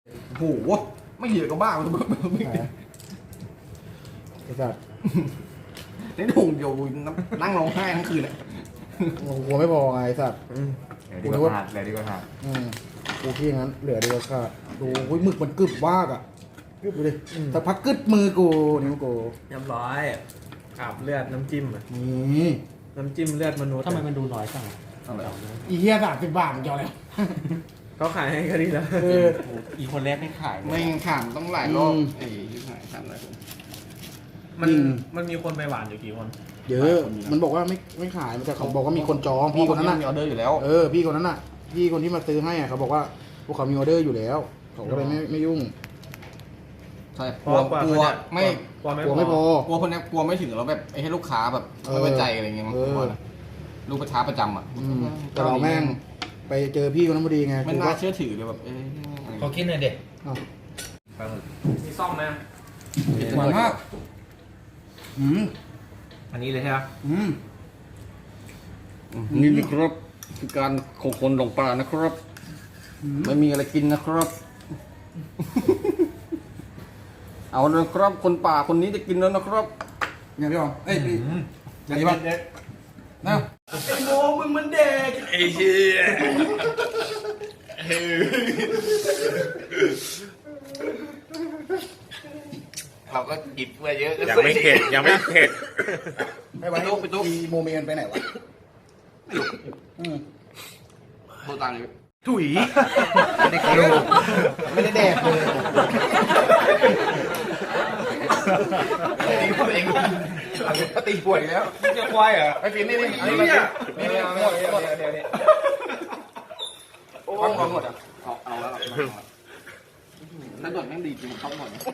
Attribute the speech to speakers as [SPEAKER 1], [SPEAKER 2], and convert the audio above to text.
[SPEAKER 1] โอ้โหไม่เหยียดก็บ้ามันจะ
[SPEAKER 2] ไอ้สัตว์
[SPEAKER 1] ในถุงเดียวนั่งร้องไห้ทั้งคืนเลย
[SPEAKER 2] กลัวไม่พอไงไอ้สัตว์
[SPEAKER 3] เหลือดีกว่าขาดเหลือดีกว่าขาด
[SPEAKER 2] กูที่อย่างนั้นเหลือเดียวค่ะดูหมึกมันกึบมากอ่ะกึบดูดิสักพักกึดมือกูนิ้วกู
[SPEAKER 4] เรียบร้อยอาบเลือดน้ำจิ้มอ่ะ
[SPEAKER 2] นี่
[SPEAKER 4] น้ำจิ้มเลือดมนุษย์
[SPEAKER 5] ทำไมมันดูน้อยจัง
[SPEAKER 2] อีเหี้ย30 บาทมันจะเอาอะไร
[SPEAKER 4] เขาขายให้แค่นี้แล้ว
[SPEAKER 5] อีคนแรกไม่ขาย
[SPEAKER 1] ไม่ขามต้องหลายรอบไอ้ยี่ห้อขามหลายคน
[SPEAKER 4] มันมีคนไปหวานอยู่กี่คน
[SPEAKER 2] เยอะมันบอกว่าไม่ขายแต่เขาบอกว่ามีคนจองพี่คนนั้นน่ะ
[SPEAKER 1] มีออเดอร์อยู่แล้ว
[SPEAKER 2] พี่คนนั้นน่ะพี่คนที่มาซื้อให้อ่ะเขาบอกว่าพวกเขามีออเดอร์อยู่แล้วเขาก็เลยไม่ยุ่ง
[SPEAKER 1] ใช่
[SPEAKER 4] เพ
[SPEAKER 1] ก
[SPEAKER 4] ราะ
[SPEAKER 1] ลัว
[SPEAKER 4] ว่าก
[SPEAKER 1] ลัว
[SPEAKER 4] ไม่
[SPEAKER 1] ไม่
[SPEAKER 2] กลัวไม่พอ
[SPEAKER 1] กลัวคนนี้กลัวไม่ถึงแล้วแบบไอ้ให้ลูกค้าแบบไม่ไว้ใจอะไรเงี้ยมั้งกลัวนะลูกค้าประจำอ่ะ
[SPEAKER 2] แต่เราแม่งไปเจอพี่คนนั้นพอดีไง
[SPEAKER 1] ไม่น่าเชื่อถือเลยแบบ
[SPEAKER 5] ขอกินหน่อยเด็ก
[SPEAKER 2] อ้าว
[SPEAKER 4] มีซ่อมไหม
[SPEAKER 1] หวานมาก
[SPEAKER 4] อันนี้เลยใช่ไหม
[SPEAKER 1] นี่นะครับคือการของคนหลงป่านะครับไม่มีอะไรกินนะครับ เอาเลยครับคนป่าคนนี้จะกินแล้วนะครับเนี่ยพี่บอลเอ้ยพี่อย่างนี้ป่ะนะไอ้โมมึงมันเด็กไอ้เชี่ยเราก็หยิบมาเยอะ
[SPEAKER 3] ยังไม่เข็ดยังไม่เข็ด
[SPEAKER 2] ไปไว้ไปตุ๊กโมเมนไปไหนวะ
[SPEAKER 1] โทรตามเลย
[SPEAKER 2] ถุยไม่ได้คิวไม่ได้แดกเลย
[SPEAKER 1] ตีตัวเองตีป่วยแล้วจะควายเหรอไอ้ฟินนี่อันนี้นี่หมดโอ้หมดอ่ะเอาแล้วถ้าโดดแม่งดีจริงเข้าหมด